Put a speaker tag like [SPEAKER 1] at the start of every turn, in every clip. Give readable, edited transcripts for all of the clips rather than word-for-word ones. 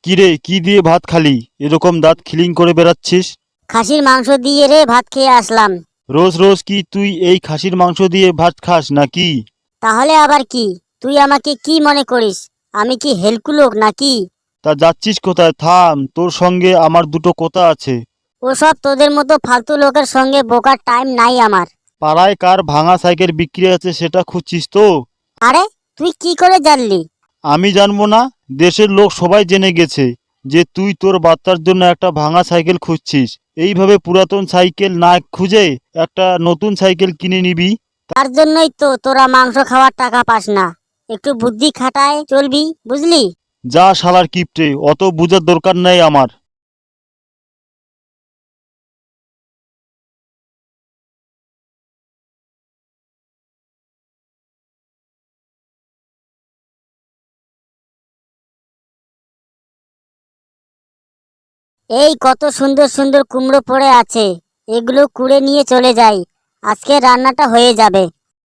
[SPEAKER 1] কিরে, কি দিয়ে ভাত খালি? এরকম দাঁত খিলিং করে বেড়াচ্ছিস।
[SPEAKER 2] খাসির মাংস দিয়ে রে ভাত খেয়ে আসলাম।
[SPEAKER 1] রোজ রোজ কি তুই এই খাসির মাংস দিয়ে ভাত খাস নাকি?
[SPEAKER 2] তাহলে আবার কি? তুই আমাকে কি মনে করিস? আমি কি হেলকু লোক নাকি?
[SPEAKER 1] তা যাচ্ছিস কোথায়? থাম, তোর সঙ্গে আমার দুটো কথা আছে।
[SPEAKER 2] ওসব তোদের মতো ফালতু লোকের সঙ্গে বোকার টাইম নাই আমার।
[SPEAKER 1] পাড়ায় কার ভাঙা সাইকেল বিক্রি আছে সেটা খুঁজছিস তো?
[SPEAKER 2] আরে, তুই কি করে জানলি?
[SPEAKER 1] আমি জানবো না? দেশের লোক সবাই জেনে গেছে যে তুই তোর বাচ্চার জন্য একটা ভাঙা সাইকেল খুঁজছিস। এইভাবে পুরাতন সাইকেল না খুঁজে একটা নতুন সাইকেল কিনে নিবি।
[SPEAKER 2] তার জন্যই তো তোরা মাংস খাওয়ার টাকা পাস না। একটু বুদ্ধি খাটায় চলবি, বুঝলি?
[SPEAKER 1] যা শালার কিপটে, অত বুঝার দরকার নেই আমার।
[SPEAKER 2] এই কত সুন্দর সুন্দর কুমড়ো পড়ে আছে, এগুলো কুড়ে নিয়ে চলে যাই। আজকে রান্নাটা হয়ে যাবে।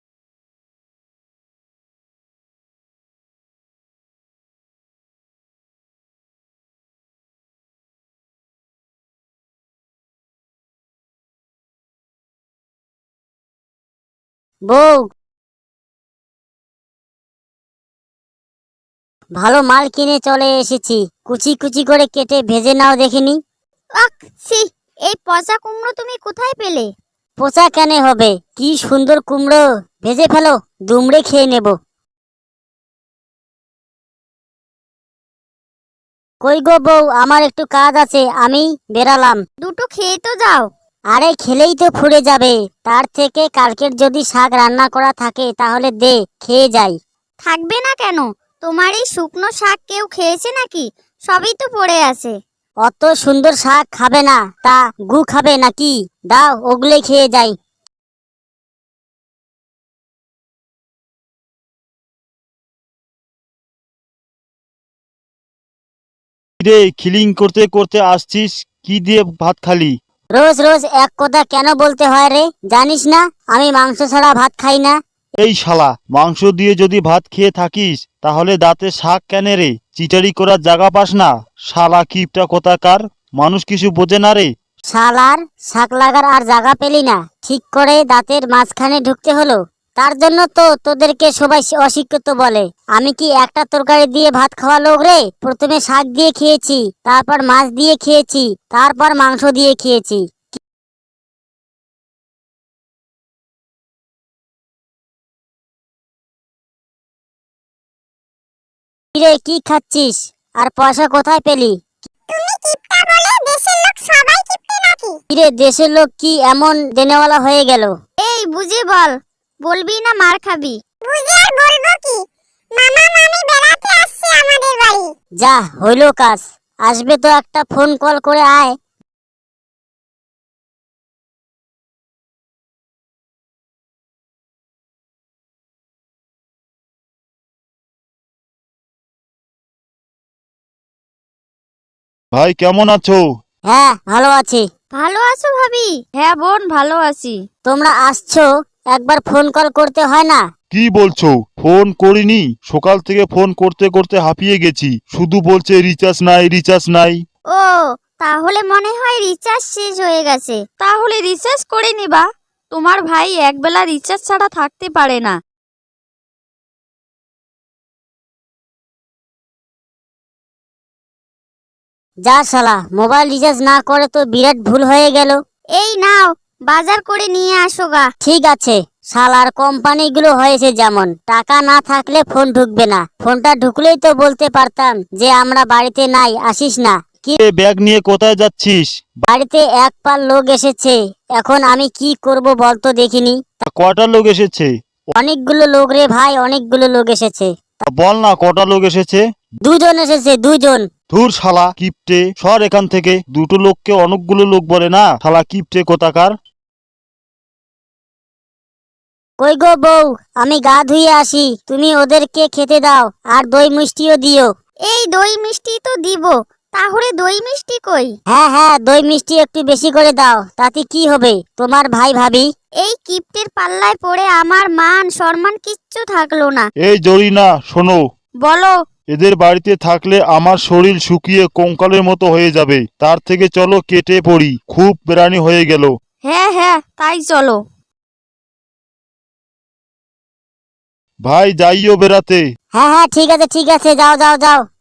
[SPEAKER 2] বউ, ভালো মাল কিনে চলে এসেছি। কুচি কুচি করে কেটে ভেজে নাও দেখিনি।
[SPEAKER 3] আক ছি, এই পচা কুমড়ো তুমি কোথায় পেলে?
[SPEAKER 2] পচা কেন হবে? কি সুন্দর কুমড়ো! ভেজে ফেলো, দুমড়ে খেয়ে নেব। কই গো বউ, আমার একটু কাজ আছে, আমি বেরালাম।
[SPEAKER 3] দুটো খেয়ে তো যাও।
[SPEAKER 2] আরে খেলেই তো ফুরে যাবে। তার থেকে কালকের যদি শাক রান্না করা থাকে তাহলে দে, খেয়ে যাই।
[SPEAKER 3] থাকবে না কেন? তোমার এই শুকনো শাক কেউ খেয়েছে নাকি? সবই তো পড়ে আছে।
[SPEAKER 2] অত সুন্দর শাক খাবে না, তা গু খাবে নাকি? দাও, ওগুলোই খেয়ে যাই।
[SPEAKER 1] কিরে, খিলিং করতে করতে আসছিস? কি দিয়ে ভাত খালি?
[SPEAKER 2] রোজ রোজ এক কথা কেন বলতে হয় রে? জানিস না আমি মাংস ছাড়া ভাত খাই না?
[SPEAKER 1] এই শালা, মাংস দিয়ে যদি ভাত খেয়ে থাকিস তাহলে দাঁতে শাক কেন রে? চিটারি করার জায়গা পাস না? শালা কিপটা কোথাকার, মানুষ কিছু বোঝে না রে।
[SPEAKER 2] শালার শাক লাগার আর জায়গা পেলি না, ঠিক করে দাঁতের মাঝখানে ঢুকতে হলো। তার জন্য তো তোদেরকে সবাই অশিক্ষিত বলে। আমি কি একটা তরকারি দিয়ে ভাত খাওয়া লোক রে? প্রথমে শাক দিয়ে খেয়েছি, তারপর মাছ দিয়ে খেয়েছি, তারপর মাংস দিয়ে খেয়েছি। কিরে, কি খাচ্ছিস? আর পয়সা কোথায় পেলি?
[SPEAKER 3] তুমি কিপটা বলে দেশের লোক সবাই কিপটে নাকি?
[SPEAKER 2] কিরে, দেশের লোক কি এমন দেনেওয়ালা হয়ে গেল?
[SPEAKER 3] এই বুঝে বল, বলবি না মার খাবি? বুঝে আর বলবো কি? মামা মামি বেড়াতে আসছে আমাদের বাড়ি।
[SPEAKER 2] যা হইলো কাজ। আসবে তো একটা ফোন কল করে আয়।
[SPEAKER 1] ভাই কেমন আছো?
[SPEAKER 2] হ্যাঁ, ভালো আছি।
[SPEAKER 3] ভালো আছো ভাবি? হ্যাঁ বোন, ভালো আছি।
[SPEAKER 2] তোমরা আসছো, একবার ফোন কল করতে হয় না?
[SPEAKER 1] কি বলছো? ফোন করিনি? সকাল থেকে ফোন করতে করতে হাঁপিয়ে গেছি, শুধু বলছে রিচার্জ নাই, রিচার্জ নাই।
[SPEAKER 3] ও, তাহলে মনে হয় রিচার্জ শেষ হয়ে গেছে। তাহলে রিচার্জ করে নিবা। তোমার ভাই একবেলা রিচার্জ ছাড়া থাকতে পারে না।
[SPEAKER 2] যা শালা, মোবাইল রিচার্জ না করে তো বিরাট ভুল হয়ে গেল।
[SPEAKER 3] এই নাও, বাজার করে নিয়ে আসো গা।
[SPEAKER 2] ঠিক আছে। শালার কোম্পানিগুলো হয়েছে যেমন, টাকা না থাকলে ফোন ঢুকবে না। ফোনটা ঢুকলেই তো বলতে পারতাম যে আমরা বাড়িতে নাই, আসিস না। কি,
[SPEAKER 1] এ ব্যাগ নিয়ে কোথায় যাচ্ছিস?
[SPEAKER 2] বাড়িতে এক পাল লোক এসেছে, এখন আমি কি করব বলতো দেখিনি।
[SPEAKER 1] কটা লোক এসেছে?
[SPEAKER 2] অনেকগুলো লোক রে ভাই, অনেকগুলো লোক এসেছে।
[SPEAKER 1] বল না কটা লোক এসেছে।
[SPEAKER 2] দুজন এসেছে, দুজন।
[SPEAKER 1] ধুর শালা কিপটে, সর এখান থেকে। দুটো লোককে অনেকগুলো লোক বলে না, শালা কিপটে কোথাকার।
[SPEAKER 2] কই গো বউ, আমি গা ধুয়ে আসি, তুমি ওদেরকে খেতে দাও, আর দই মিষ্টিও দিও।
[SPEAKER 3] এই দই মিষ্টি তো দিব, তাহলে দই মিষ্টি কই?
[SPEAKER 2] হ্যাঁ হ্যাঁ, দই মিষ্টি একটু বেশি করে দাও, তাতে কি হবে, তোমার ভাই ভাবি।
[SPEAKER 3] এই কিপ্টের পাল্লায় পড়ে আমার মান সম্মান কিচ্ছু থাকলো না।
[SPEAKER 1] এই জরিনা শোনো,
[SPEAKER 3] বলো,
[SPEAKER 1] এদের বাড়িতে থাকলে আমার শরীর শুকিয়ে কঙ্কালের মতো হয়ে যাবে, তার থেকে চলো কেটে পড়ি, খুব বেড়ানি হয়ে গেল।
[SPEAKER 3] হ্যাঁ হ্যাঁ, তাই চলো।
[SPEAKER 1] ভাই যাইও বেড়াতে।
[SPEAKER 2] হ্যাঁ হ্যাঁ, ঠিক আছে ঠিক আছে, যাও যাও যাও।